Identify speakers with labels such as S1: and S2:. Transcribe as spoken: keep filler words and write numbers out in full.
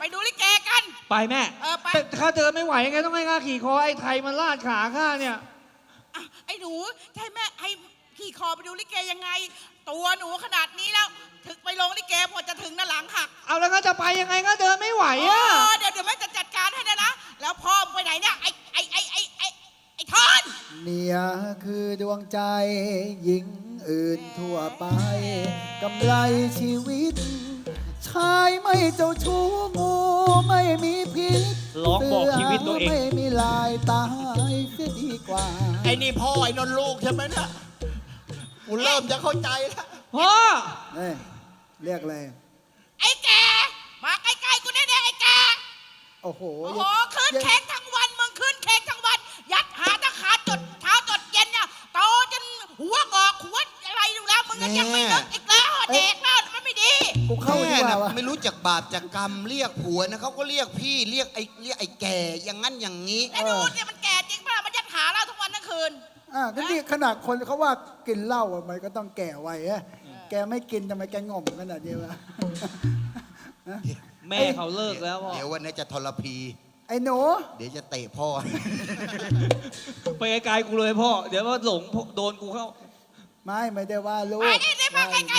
S1: ไปดูลิเกกัน
S2: ไปแม่
S1: เออไป
S2: แต่ข้าเดินไม่ไหวไงต้องให้ข้าขี่คอไอ้ไทยมันลาดขาข้าเนี่ย
S1: อ่ะไอ้หนูใช่แม่ให้ขี่คอไปดูลิเกยังไง ตัวหนูขนาดนี้แล้ว ถึงไปลงลิเกพอจะถึงน่ะหลังหัก
S2: เอาแล้วข้าจะไปยังไงข้าเดินไม่ไหว
S1: เอ
S2: อะ
S1: อเดี๋ยวเดี๋ยวแม่จะจัดการให้นะนะแล้วพ่อมึงไปไหนเนี่ยไอ้ไอ้ไอ้ไอ้ไอ้ไอ้ทอน
S3: เนี่ยคือดวงใจหญิงอื่นทั่วไปกำไรชีวิต ชายไม่เจ้าชู้งูไม่มีพิษ
S2: ร้องบอกชีวิตตัวเอง
S3: ไม่มีลายตายเสียดีกว่า
S4: ไอ้นี่พ่อไอ้นนท์ลูกใช่ไหมนะกูเริ่มจะเข้าใจแล้ว
S2: พ่อ
S3: เอ้ยเรียกอะไร
S1: ไอ้แกมาใกล้ๆกูได้ๆไอ้แก
S3: โอ้โห
S1: โอ้โหคืนเค้กทั้งวันมึงคืนเค้กทั้งวัน ยัดหาตะขาจดเช้าจดเย็นเนี่ยโตจนหัวงอกหัวอะไรอยู่แล้วมึงก็ยังไม่เลิกอีกแล้วเด็กแล้วมันไม่ดี
S3: กูเข้าดี
S4: แม่
S3: กว่า
S4: นะ
S3: วะ
S4: ไม่รู้จักบาปจากกรรมเรียกผัวนะเขาก็เรียกพี่เรียกไอ้เรียกไอ้แก่อย่างนั้นอย่างนี้
S1: ไอ้หนูเนี่ยมันแก่จริงป่ะมันยัดหาเราทั้งวันทั้งคืน
S3: อ่ะก็นี่ขนาดคนเขาว่ากินเหล้าอะมันก็ต้องแก่ไว้อะแกไม่กินทำไมแกง่อมขนาดนี้วะ
S2: แม่เขาเลิกแล้วพ่อ
S4: เดี๋ยววันนี้จะทรพี
S3: ไอ้หนู
S4: เดี๋ยวจะเตะพ่อ
S2: ไปไกลๆกูเลยพ่อ เดี๋ยวว่าหลงโดนกูเข้า
S3: ไม่ไม่ได้ว่าลูก
S1: มานี่นี่มาใกล้